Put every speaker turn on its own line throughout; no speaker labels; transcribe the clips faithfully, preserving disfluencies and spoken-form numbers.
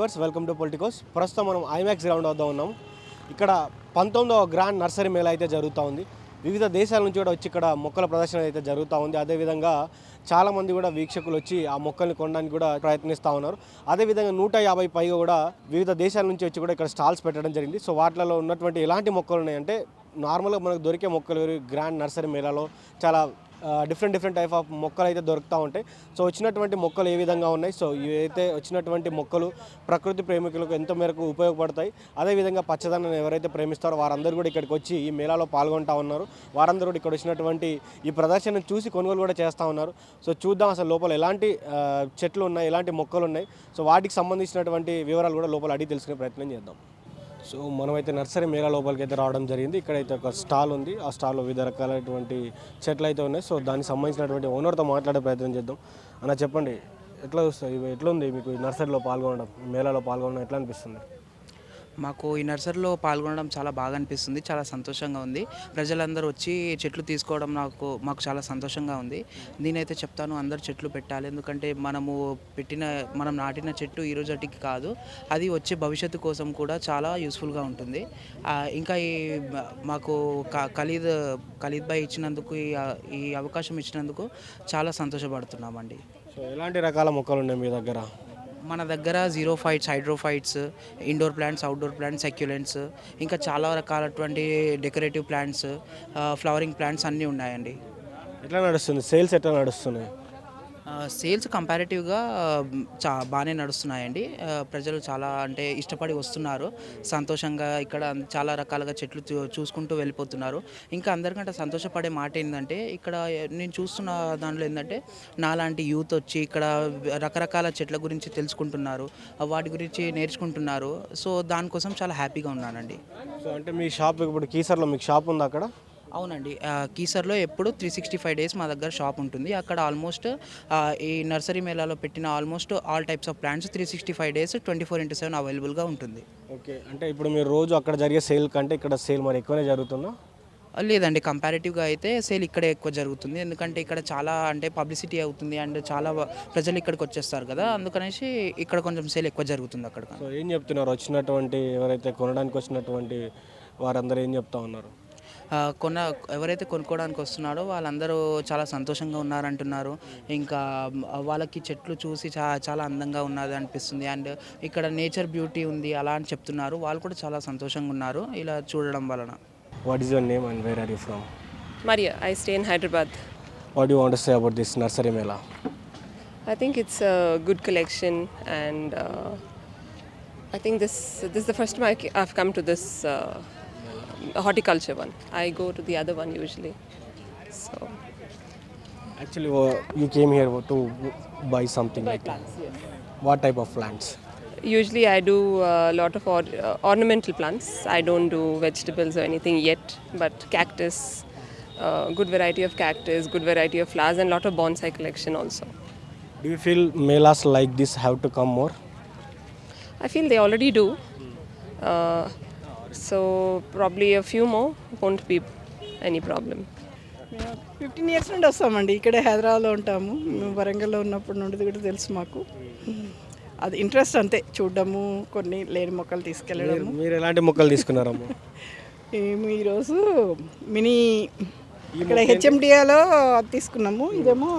Viewers, welcome to Politicos. ప్రస్తుతం మనం IMAX ground వద్ద ఉన్నాం. ఇక్కడ పంతొమ్మిదవ గ్రాండ్ నర్సరీ మేళా అయితే జరుగుతూ ఉంది. వివిధ దేశాల నుంచి కూడా వచ్చి ఇక్కడ మొక్కల ప్రదర్శన అయితే జరుగుతూ ఉంది. అదేవిధంగా చాలామంది కూడా వీక్షకులు వచ్చి ఆ మొక్కల్ని కొనడానికి కూడా ప్రయత్నిస్తూ ఉన్నారు. అదేవిధంగా నూట యాభై పైగా కూడా వివిధ దేశాల నుంచి వచ్చి కూడా ఇక్కడ స్టాల్స్ పెట్టడం జరిగింది. సో వాటిలో ఉన్నటువంటి ఎలాంటి మొక్కలు ఉన్నాయంటే నార్మల్గా మనకు దొరికే మొక్కలు గ్రాండ్ నర్సరీ మేళాలో చాలా డిఫరెంట్ డిఫరెంట్ టైప్ ఆఫ్ మొక్కలు అయితే దొరుకుతూ ఉంటాయి. సో వచ్చినటువంటి మొక్కలు ఏ విధంగా ఉన్నాయి, సో ఇవైతే వచ్చినటువంటి మొక్కలు ప్రకృతి ప్రేమికులకు ఎంతో మేరకు ఉపయోగపడతాయి. అదేవిధంగా పచ్చదనాన్ని ఎవరైతే ప్రేమిస్తారో వారందరూ కూడా ఇక్కడికి వచ్చి ఈ మేళాలో పాల్గొంటూ ఉన్నారు. వారందరూ కూడా ఇక్కడ వచ్చినటువంటి ఈ ప్రదర్శనను చూసి కొనుగోలు కూడా చేస్తూ ఉన్నారు. సో చూద్దాం అసలు లోపల ఎలాంటి చెట్లు ఉన్నాయి, ఎలాంటి మొక్కలు ఉన్నాయి, సో వాటికి సంబంధించినటువంటి వివరాలు కూడా లోపల అడిగి తెలుసుకునే ప్రయత్నం చేద్దాం. సో మనమైతే నర్సరీ మేళా లోపలికి అయితే రావడం జరిగింది. ఇక్కడైతే ఒక స్టాల్ ఉంది. ఆ స్టాల్లో వివిధ రకాలైనటువంటి చెట్లు అయితే ఉన్నాయి. సో దానికి సంబంధించినటువంటి ఓనర్తో మాట్లాడే ప్రయత్నం చేద్దాం. అన్న చెప్పండి, ఎట్లా చూస్తుంది, ఎట్లా ఉంది మీకు ఈ నర్సరీలో పాల్గొనడం, మేళాలో పాల్గొనడం ఎట్లా అనిపిస్తుంది?
మాకు ఈ నర్సరీలో పాల్గొనడం చాలా బాగా అనిపిస్తుంది, చాలా సంతోషంగా ఉంది. ప్రజలందరూ వచ్చి చెట్లు తీసుకోవడం నాకు మాకు చాలా సంతోషంగా ఉంది. నేనైతే చెప్తాను, అందరు చెట్లు పెట్టాలి. ఎందుకంటే మనము పెట్టిన మనం నాటిన చెట్టు ఈ రోజుటికి కాదు, అది వచ్చే భవిష్యత్తు కోసం కూడా చాలా యూస్ఫుల్గా ఉంటుంది. ఇంకా ఈ మాకు ఖలీద్ ఖలీద్ భాయ్ ఇచ్చినందుకు, ఈ అవకాశం ఇచ్చినందుకు చాలా సంతోషపడుతున్నామండి.
సో ఎలాంటి రకాల మొక్కలు ఉన్నాయి మీ దగ్గర?
మన దగ్గర xerophytes, hydrophytes, indoor plants, outdoor plants, succulents, ఇంకా చాలా రకాలటువంటి డెకరేటివ్ ప్లాంట్స్, ఫ్లవరింగ్ ప్లాంట్స్ అన్నీ ఉన్నాయండి.
ఎట్లా నడుస్తుంది సేల్స్, ఎట్లా నడుస్తున్నాయి?
సేల్స్ కంపారిటివ్గా చా బాగానే నడుస్తున్నాయండి. ప్రజలు చాలా అంటే ఇష్టపడి వస్తున్నారు. సంతోషంగా ఇక్కడ చాలా రకాలుగా చెట్లు చూసుకుంటూ వెళ్ళిపోతున్నారు. ఇంకా అందరికంటే సంతోషపడే మాట ఏంటంటే, ఇక్కడ నేను చూస్తున్న దాంట్లో ఏంటంటే నాలాంటి యూత్ వచ్చి ఇక్కడ రకరకాల చెట్ల గురించి తెలుసుకుంటున్నారు, వాటి గురించి నేర్చుకుంటున్నారు. సో దానికోసం చాలా హ్యాపీగా ఉన్నానండి.
సో అంటే మీ షాప్ ఇప్పుడు కీసర్లో మీకు షాప్ ఉంది అక్కడ?
అవునండి, కీసర్లో ఎప్పుడు త్రీ సిక్స్టీ ఫైవ్ డేస్ మా దగ్గర షాప్ ఉంటుంది. అక్కడ ఆల్మోస్ట్ ఈ నర్సరీ మేళాలో పెట్టిన almost all types of plants three sixty five days twenty four into seven అవైలబుల్గా ఉంటుంది.
ఓకే, అంటే ఇప్పుడు మీరు రోజు అక్కడ జరిగే సేల్ కంటే ఇక్కడ సేల్ మరి ఎక్కువనే జరుగుతుందా?
లేదండి, కంపారిటివ్గా అయితే సేల్ ఇక్కడే ఎక్కువ జరుగుతుంది. ఎందుకంటే ఇక్కడ చాలా అంటే పబ్లిసిటీ అవుతుంది అండ్ చాలా ప్రజలు ఇక్కడికి వచ్చేస్తారు కదా, అందుకనేసి ఇక్కడ కొంచెం సేల్ ఎక్కువ జరుగుతుంది అక్కడ.
సో ఏం చెప్తున్నారు వచ్చినటువంటి ఎవరైతే కొనడానికి వచ్చినటువంటి వారందరూ ఏం చెప్తా ఉన్నారు?
కొన్న ఎవరైతే కొనుక్కోవడానికి వస్తున్నారో వాళ్ళందరూ చాలా సంతోషంగా ఉన్నారంటున్నారు. ఇంకా వాళ్ళకి చెట్లు చూసి చా చాలా అందంగా ఉన్నది అనిపిస్తుంది అండ్ ఇక్కడ నేచర్ బ్యూటీ ఉంది అలా అని చెప్తున్నారు. వాళ్ళు కూడా చాలా సంతోషంగా ఉన్నారు ఇలా చూడడం వలన.
What is your name and where are you from?
Maria, I stay in Hyderabad.
What do you want to say about this nursery mela?
I think it's a good collection and uh, I think this this is the first time I- I've come to this uh, horticulture one. I go to the other one usually. So
Actually, uh, you came here to buy something
buy
like that.
plants, yes.
What type of plants?
Usually I do a lot of or, uh, ornamental plants. I don't do vegetables or anything yet, but cactus, uh, good variety of cactus, good variety of flowers and lot of bonsai collection also.
Do you feel melas like this have to come more?
I feel they already do. Uh, so probably a few more won't be any problem.
Fifteen years నుండి వస్తామండి. ఇక్కడే హైదరాబాద్లో ఉంటాము. మేము వరంగల్లో ఉన్నప్పుడు నుండి కూడా తెలుసు మాకు. అది ఇంట్రెస్ట్ అంతే, చూడడము, కొన్ని లేని మొక్కలు తీసుకెళ్ళడము.
మీరు ఎలాంటి మొక్కలు తీసుకున్నారమ్మా?
మేము ఈరోజు మినీ ఇక్కడ హెచ్ఎండిఏలో తీసుకున్నాము. ఇదేమో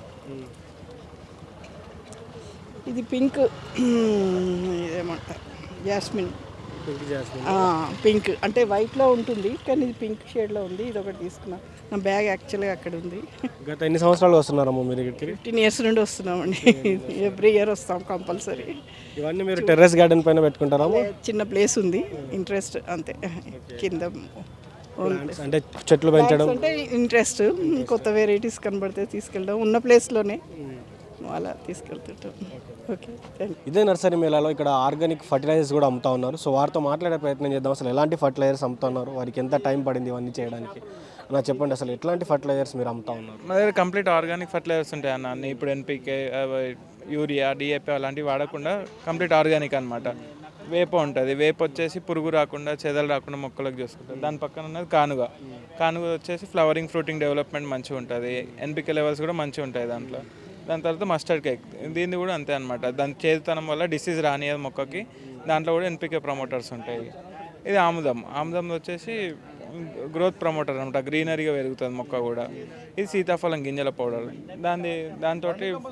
ఇది పింక్, ఇదేమంటారు జాస్మిన్. పింక్ అంటే వైట్లో ఉంటుంది కానీ ఇది పింక్ షేడ్లో ఉంది. ఇది ఒకటి తీసుకున్నాం. నా బ్యాగ్ యాక్చువల్గా అక్కడ ఉంది.
గత ఎన్ని సంవత్సరాలు వస్తున్నారమ్మా మీరు ఇక్కడికి?
ఫిఫ్టీన్ ఇయర్స్ నుండి వస్తున్నామండి. ఎవ్రీ ఇయర్ వస్తాం కంపల్సరీ.
ఇవన్నీ మీరు టెర్రస్ గార్డెన్ పైన పెట్టుకుంటారా?
చిన్న ప్లేస్ ఉంది, ఇంట్రెస్ట్ అంతే. కింద
అంటే చెట్లు పెంచడం
అంటే ఇంట్రెస్ట్, కొత్త వెరైటీస్ కనబడితే తీసుకెళ్ళడం, ఉన్న ప్లేస్లోనే అలా తీసుకెళ్తుంటాం. ఓకే,
ఇదే నర్సరీ మేళాలో ఇక్కడ ఆర్గానిక్ ఫర్టిలైజర్స్ కూడా అమ్ముతా ఉన్నారు. సో వారితో మాట్లాడే ప్రయత్నం చేద్దాం. అసలు ఎలాంటి ఫర్టిలైజర్స్ అమ్ముతా ఉన్నారు, వారికి ఎంత టైం పడింది ఇవన్నీ చేయడానికి అన్న చెప్పండి. అసలు ఎట్లాంటి ఫర్టిలైజర్స్ మీరు అమ్ముతా ఉన్నారు?
మా దగ్గర కంప్లీట్ ఆర్గానిక్ ఫర్టిలైజర్స్ ఉంటాయి అన్న. అన్ని ఇప్పుడు ఎన్పికే, యూరియా, డిఏపి అలాంటివి వాడకుండా కంప్లీట్ ఆర్గానిక్ అనమాట. వేప ఉంటుంది, వేప వచ్చేసి పురుగు రాకుండా, చెదలు రాకుండా మొక్కలకు చూసుకుంటుంది. దాని పక్కన ఉన్నది కానుగ. కానుగ వచ్చేసి ఫ్లవరింగ్, ఫ్రూటింగ్ డెవలప్మెంట్ మంచిగా ఉంటుంది. ఎన్పికే లెవెల్స్ కూడా మంచిగా ఉంటాయి దాంట్లో. దాని తర్వాత మస్టర్డ్ కేక్, దీన్ని కూడా అంతే అనమాట. దాని చేదుతనం వల్ల డిసీజ్ రానియదు మొక్కకి. దాంట్లో కూడా ఎన్పికే ప్రమోటర్స్ ఉంటాయి. ఇది ఆముదం, ఆముదం వచ్చేసి గ్రోత్ ప్రమోటర్ అనమాట, గ్రీనరీగా పెరుగుతుంది మొక్క కూడా. ఇది సీతాఫలం గింజల పౌడర్, దాని దాంతో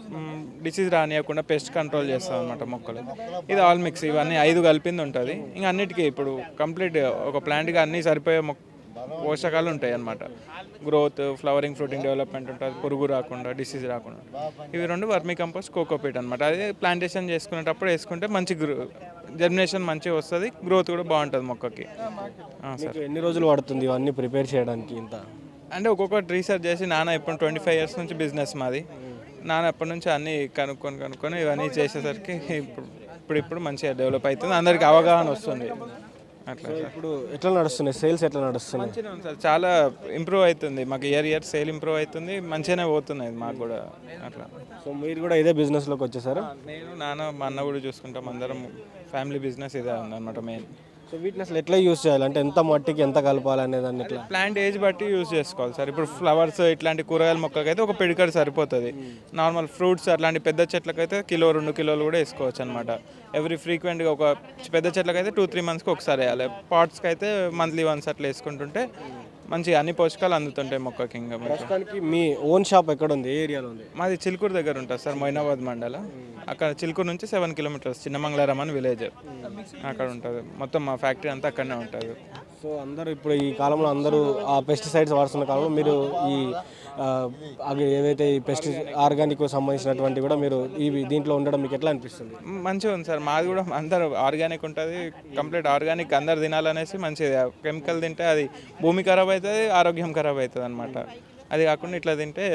డిసీజ్ రానియకుండా పెస్ట్ కంట్రోల్ చేస్తుంది అనమాట మొక్కలు. ఇది ఆల్ మిక్స్, ఇవన్నీ ఐదు కలిపింది ఉంటుంది. ఇంకా అన్నిటికీ ఇప్పుడు కంప్లీట్ ఒక ప్లాంట్కి అన్నీ సరిపోయే మొక్క పోషకాలు ఉంటాయి అన్నమాట. గ్రోత్, ఫ్లవరింగ్, ఫ్రూటింగ్ డెవలప్మెంట్ ఉంటుంది, పురుగు రాకుండా, డిసీజ్ రాకుండా. ఇవి రెండు వర్మీ కంపోస్ట్, కోకోపీట్ అనమాట. అదే ప్లాంటేషన్ చేసుకునేటప్పుడు వేసుకుంటే మంచి గ్రో జర్మినేషన్ మంచిగా వస్తుంది, గ్రోత్ కూడా బాగుంటుంది మొక్కకి. సార్
మీకు ఎన్ని రోజులు పడుతుంది ఇవన్నీ ప్రిపేర్ చేయడానికి ఇంత?
అంటే ఒక్కొక్కటి రీసెర్చ్ చేసి, నాన్న ఇప్పుడు ట్వంటీ ఫైవ్ ఇయర్స్ నుంచి బిజినెస్ మాది, నాన్న అప్పటి నుంచి అన్నీ కనుక్కొని కనుక్కొని ఇవన్నీ చేసేసరికి ఇప్పుడు ఇప్పుడు ఇప్పుడు మంచిగా డెవలప్ అవుతుంది, అందరికి అవగాహన వస్తుంది అట్లా.
ఇప్పుడు ఎట్లా నడుస్తున్నాయి సేల్స్, ఎట్లా నడుస్తున్నాయి?
మంచిగా ఉంది సార్, చాలా ఇంప్రూవ్ అవుతుంది మాకు, ఇయర్ ఇయర్ సేల్ ఇంప్రూవ్ అవుతుంది, మంచిగానే పోతున్నాయి మాకు కూడా అట్లా.
సో మీరు కూడా ఇదే బిజినెస్లోకి వచ్చేసారా?
నేను, నాన్న, మా అన్న కూడా చూసుకుంటాం, అందరం ఫ్యామిలీ బిజినెస్ ఇదే ఉందన్నమాట మెయిన్.
సో వీటిని అసలు ఎట్లా యూస్ చేయాలి, అంటే ఎంత మట్టికి ఎంత కలపాలి అనే దాన్ని ఎట్లా?
ప్లాంట్ ఏజ్ బట్టి యూజ్ చేసుకోవాలి సార్. ఇప్పుడు ఫ్లవర్స్ ఇట్లాంటి కూరగాయల మొక్కకైతే ఒక పిడికడ సరిపోతుంది. నార్మల్ ఫ్రూట్స్ అట్లాంటి పెద్ద చెట్లకైతే కిలో రెండు కిలోలు కూడా వేసుకోవచ్చు అనమాట. ఎవ్రీ ఫ్రీక్వెంట్గా ఒక పెద్ద చెట్లకైతే టూ త్రీ మంత్స్కి ఒకసారి వేయాలి. పాట్స్కి అయితే మంత్లీ వన్స్ అట్లా వేసుకుంటుంటే మంచిగా అన్ని పోషకాలు అందుతుంటాయి మొక్కకి. ఇంకా
ప్రస్తుతానికి మీ ఓన్ షాప్ ఎక్కడ ఉంది, ఏ ఏరియాలో ఉంది?
మాది చిలుకూరు దగ్గర ఉంటుంది సార్, మొయినాబాద్ మండల. అక్కడ చిలుకూరు నుంచి సెవెన్ కిలోమీటర్స్ చిన్నమంగళారం అని విలేజ్, అక్కడ ఉంటుంది. మొత్తం మా ఫ్యాక్టరీ అంతా అక్కడనే ఉంటుంది.
సో అందరూ ఇప్పుడు ఈ కాలంలో అందరూ ఆ పెస్టిసైడ్స్ వాడుతున్న కాలంలో మీరు ఈ ఆ, అవి ఏవైతే ఈ పెస్టి ఆర్గానిక్ సంబంధించినటువంటి కూడా మీరు ఇవి దీంట్లో ఉండడం మీకు ఎట్లా అనిపిస్తుంది?
మంచిగా ఉంది సార్, మాది కూడా అందరూ ఆర్గానిక్ ఉంటుంది, కంప్లీట్ ఆర్గానిక్ అందరు తినాలనేసి మంచిది. కెమికల్ తింటే అది భూమి ఖరాబ్ అవుతుంది, ఆరోగ్యం ఖరాబ్ అవుతుంది అనమాట. అది కాకుండా ఇట్లా తింటే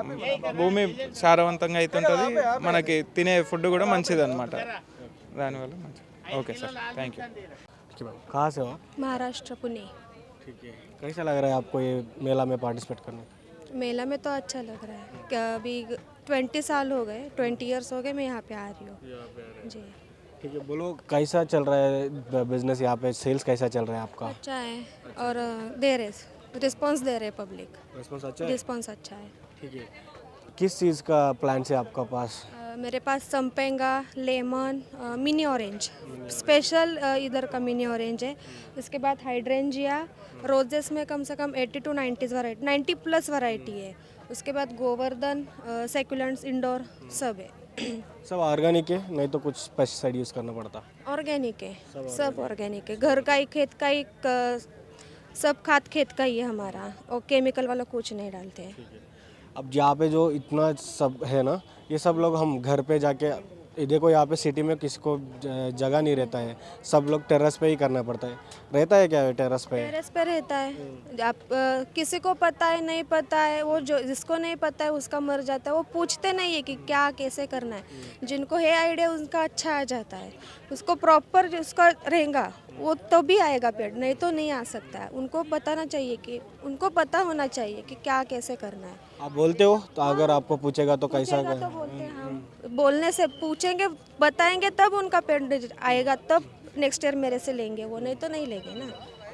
భూమి సారవంతంగా అవుతుంటుంది, మనకి తినే ఫుడ్ కూడా మంచిది అనమాట. దానివల్ల మంచిది. Okay sir, thank you.
कहाँ से हो?
महाराष्ट्र पुणे।
ठीक है, कैसा लग रहा है आपको ये मेला में पार्टिसिपेट करने?
मेला में तो अच्छा लग रहा है क्या, अभी ट्वेंटी साल हो गए, ट्वेंटी इयर्स हो गए मैं यहाँ पे आ रही हूँ जी।
ठीक है, बोलो कैसा चल रहा है बिजनेस यहाँ पे, सेल्स कैसा चल रहा है आपका?
अच्छा है और अ, दे रहे रिस्पॉन्स दे रहे पब्लिक,
रिस्पॉन्स अच्छा है?
रिस्पॉन्स अच्छा है।
ठीक है, किस चीज़ का प्लांट है आपका पास?
अ, मेरे पास संपेंगा, लेमन, अ, मिनी ऑरेंज, स्पेशल अ, इधर का मिनी ऑरेंज है। उसके बाद हाइड्रेंजिया, रोजेस में कम से कम eighty two nineties variety, ninety plus variety है। उसके बाद गोवर्धन, सेकुलेंट्स, इंडोर सब है।
सब ऑर्गेनिक है, नहीं तो कुछ पेस्टिसाइड यूज़ करना पड़ता?
ऑर्गेनिक है, सब ऑर्गेनिक है, घर का ही, खेत का ही, क- सब खाद खेत का ही है हमारा, और केमिकल वाला कुछ नहीं डालते हैं।
अब यहाँ पे जो इतना सब है ना, ये सब लोग हम घर पे जाके, ये देखो यहाँ पे सिटी में किसी को ज- जगह नहीं रहता है, सब लोग टेरेस पे ही करना पड़ता है। रहता है क्या टेरेस पे?
टेरेस पे रहता है, आप अ, किसी को पता है नहीं पता है, वो जो जिसको नहीं पता है उसका मर जाता है, वो पूछते नहीं है कि क्या कैसे करना है। जिनको है आइडिया उनका अच्छा आ जाता है, उसको प्रॉपर उसका रहेगा वो तो भी आएगा पेड़, नहीं तो नहीं आ सकता है। उनको बताना चाहिए कि उनको पता होना चाहिए कि क्या कैसे करना है।
आप बोलते हो तो अगर आपको पूछेगा तो कैसा?
पूछेगा तो बोलते हैं हम, बोलने से पूछेंगे बताएंगे तब उनका पेड़ आएगा, तब नेक्स्ट ईयर मेरे से लेंगे वो, नहीं तो नहीं लेंगे ना।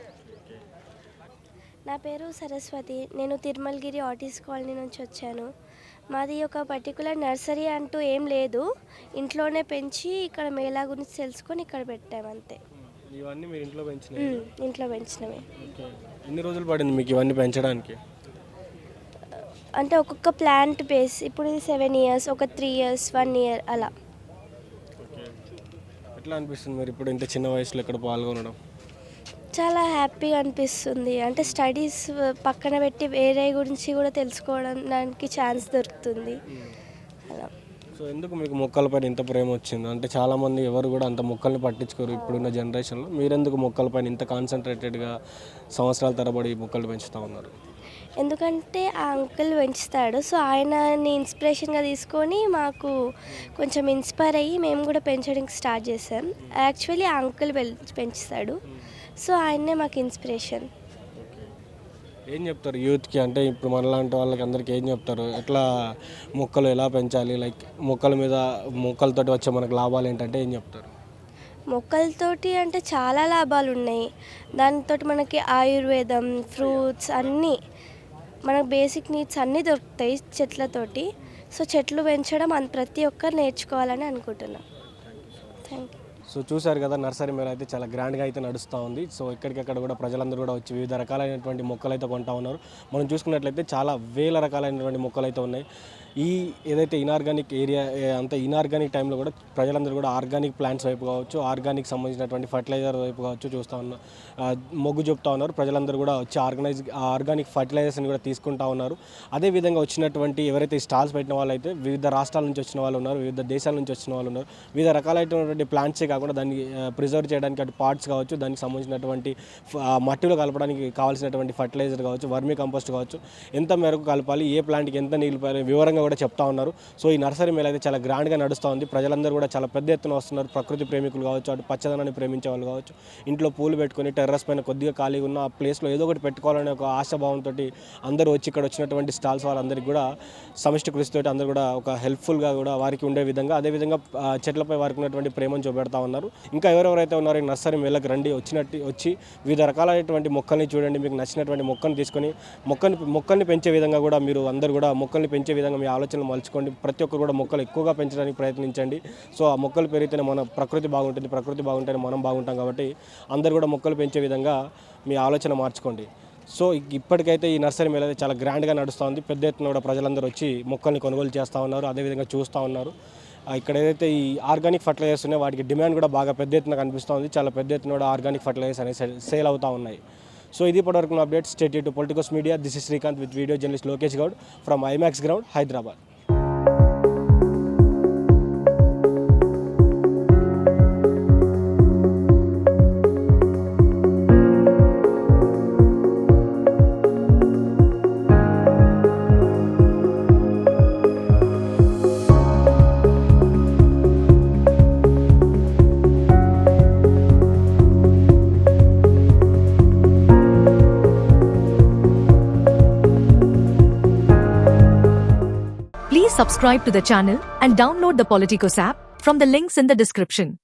నా పేరు సరస్వతి, నేను తిరుమలగిరి ఆర్టిస్ట్ కాలనీ నుంచి వచ్చాను. మాది ఒక పర్టికులర్ నర్సరీ అంటూ ఏం లేదు, ఇంట్లోనే పెంచి ఇక్కడ మేళా గురించి తెలుసుకొని ఇక్కడ పెట్టాము అంతే.
ఇవన్నీ మీరు ఇంట్లో పెంచినాయి?
మ్మ్, ఇంట్లో పెంచినవి.
ఓకే, ఎన్ని రోజులు పడింది మీకు ఇవన్నీ పెంచడానికి?
అంటే ఒక్కొక్క ప్లాంట్ బేస్, ఇప్పుడు ఇది సెవెన్ ఇయర్స్, ఒక త్రీ ఇయర్స్, వన్ ఇయర్ అలా.
ఓకే, ఎట్లా అనిపిస్తుంది మీరు ఇప్పుడు ఇంత చిన్న వయసులో ఇక్కడ పాల్గొనడం?
చాలా హ్యాపీగా అనిపిస్తుంది. అంటే స్టడీస్ పక్కన పెట్టి వేరే గురించి కూడా తెలుసుకోవడానికి ఛాన్స్ దొరుకుతుంది అలా.
సో ఎందుకు మీకు మొక్కలపైన ఇంత ప్రేమ వచ్చింది? అంటే చాలామంది ఎవరు కూడా అంత మొక్కల్ని పట్టించుకోరు ఇప్పుడున్న జనరేషన్లో, మీరెందుకు మొక్కలపైన ఇంత కాన్సన్ట్రేటెడ్గా సంవత్సరాల తరబడి మొక్కలు పెంచుతూ ఉన్నారు?
ఎందుకంటే ఆ అంకుల్ పెంచుతాడు, సో ఆయనని ఇన్స్పిరేషన్గా తీసుకొని మాకు కొంచెం ఇన్స్పైర్ అయ్యి మేము కూడా పెంచడానికి స్టార్ట్ చేసాం. యాక్చువల్లీ ఆ అంకుల్ పెంచుతాడు, సో ఆయన్నే మాకు ఇన్స్పిరేషన్.
ఏం చెప్తారు యూత్కి, అంటే ఇప్పుడు మనలాంటి వాళ్ళకి అందరికీ ఏం చెప్తారు, ఎట్లా మొక్కలు ఎలా పెంచాలి, లైక్ మొక్కల మీద మొక్కలతోటి వచ్చే మనకు లాభాలు ఏంటంటే ఏం చెప్తారు?
మొక్కలతోటి అంటే చాలా లాభాలు ఉన్నాయి. దానితో మనకి ఆయుర్వేదం, ఫ్రూట్స్ అన్నీ, మనకు బేసిక్ నీడ్స్ అన్నీ దొరుకుతాయి చెట్లతోటి. సో చెట్లు పెంచడం అంత ప్రతి ఒక్కరు నేర్చుకోవాలని అనుకుంటున్నాను. Thank you.
సో చూశారు కదా, నర్సరీ మేళ అయితే చాలా గ్రాండ్గా అయితే నడుస్తూ ఉంది. సో ఎక్కడికక్కడ కూడా ప్రజలందరూ కూడా వచ్చి వివిధ రకాలైనటువంటి మొక్కలు అయితే కొంటా ఉన్నారు. మనం చూసుకున్నట్లయితే చాలా వేల రకాలైనటువంటి మొక్కలు అయితే ఉన్నాయి. ఈ ఏదైతే ఇనార్గానిక్ ఏరియా అంత ఇనార్గానిక్ టైంలో కూడా ప్రజలందరూ కూడా ఆర్గానిక్ ప్లాంట్స్ వైపు కావచ్చు, ఆర్గానిక్ సంబంధించినటువంటి ఫర్టిలైజర్ వైపు కావచ్చు చూస్తూ ఉన్నారు, మొగ్గు చూపుతూ ఉన్నారు. ప్రజలందరూ కూడా వచ్చి ఆర్గనైజ్ ఆర్గానిక్ ఫర్టిలైజర్స్ని కూడా తీసుకుంటా ఉన్నారు. అదేవిధంగా వచ్చినటువంటి ఎవరైతే స్టాల్స్ పెట్టిన వాళ్ళు అయితే వివిధ రాష్ట్రాల నుంచి వచ్చిన వాళ్ళు ఉన్నారు, వివిధ దేశాల నుంచి వచ్చిన వాళ్ళు ఉన్నారు. వివిధ రకాలైనటువంటి ప్లాంట్సే కాకుండా దాన్ని ప్రిజర్వ్ చేయడానికి అటు పార్ట్స్ కావచ్చు, దానికి సంబంధించినటువంటి మట్టిలో కలపడానికి కావాల్సినటువంటి ఫర్టిలైజర్ కావచ్చు, వర్మీ కంపోస్ట్ కావచ్చు, ఎంత మేరకు కలపాలి, ఏ ప్లాంట్కి ఎంత నీళ్ళు పోయాలి వివరంగా కూడా చెప్తా ఉన్నారు. సో ఈ నర్సరీ మేళ అయితే చాలా గ్రాండ్గా నడుస్తూ ఉంది. ప్రజలందరూ కూడా చాలా పెద్ద ఎత్తున వస్తున్నారు. ప్రకృతి ప్రేమికులు కావచ్చు, అటు పచ్చదనాన్ని ప్రేమించే వాళ్ళు కావచ్చు, ఇంట్లో పూలు పెట్టుకొని టెర్రస్ పైన కొద్దిగా ఖాళీగా ఉన్న ఆ ప్లేస్లో ఏదో ఒకటి పెట్టుకోవాలనే ఒక ఆశాభావంతో అందరూ వచ్చి ఇక్కడ వచ్చినటువంటి స్టాల్స్ వాళ్ళందరికీ కూడా సమిష్టి కృషితో అందరూ కూడా ఒక హెల్ప్ఫుల్గా కూడా వారికి ఉండే విధంగా, అదేవిధంగా చెట్లపై వారికి ఉన్నటువంటి ప్రేమను చూపెడతా ఉన్నారు. ఇంకా ఎవరెవరైతే ఉన్నారో ఈ నర్సరీ మేళకి రండి, వచ్చినట్టు వచ్చి వివిధ రకాలైనటువంటి మొక్కల్ని చూడండి. మీకు నచ్చినటువంటి మొక్కను తీసుకొని మొక్కని మొక్కల్ని పెంచే విధంగా కూడా మీరు అందరూ కూడా మొక్కల్ని పెంచే విధంగా మీ ఆలోచనలు మలుచుకోండి. ప్రతి ఒక్కరు కూడా మొక్కలు ఎక్కువగా పెంచడానికి ప్రయత్నించండి. సో ఆ మొక్కలు పెరిగితేనే మన ప్రకృతి బాగుంటుంది, ప్రకృతి బాగుంటేనే మనం బాగుంటాం. కాబట్టి అందరూ కూడా మొక్కలు పెంచే విధంగా మీ ఆలోచన మార్చుకోండి. సో ఇప్పటికైతే ఈ నర్సరీ మేళ చాలా గ్రాండ్గా నడుస్తూ ఉంది. పెద్ద ఎత్తున కూడా ప్రజలందరూ వచ్చి మొక్కల్ని కొనుగోలు చేస్తూ ఉన్నారు, అదేవిధంగా చూస్తూ ఉన్నారు. ఇక్కడ ఏదైతే ఈ ఆర్గానిక్ ఫర్టిలైజర్స్ ఉన్నాయో వాటికి డిమాండ్ కూడా బాగా పెద్ద ఎత్తున కనిపిస్తూ ఉంది. చాలా పెద్ద ఎత్తున కూడా ఆర్గానిక్ ఫర్టిలైజర్స్ అనేవి సేల్ అవుతూ ఉన్నాయి. సో ఇది ఇప్పటివరకు update. State to politicals media. This is Srikanth with video journalist Lokesh Goud from IMAX ground, Hyderabad.
Please subscribe to the channel and download the Politicos app from the links in the description.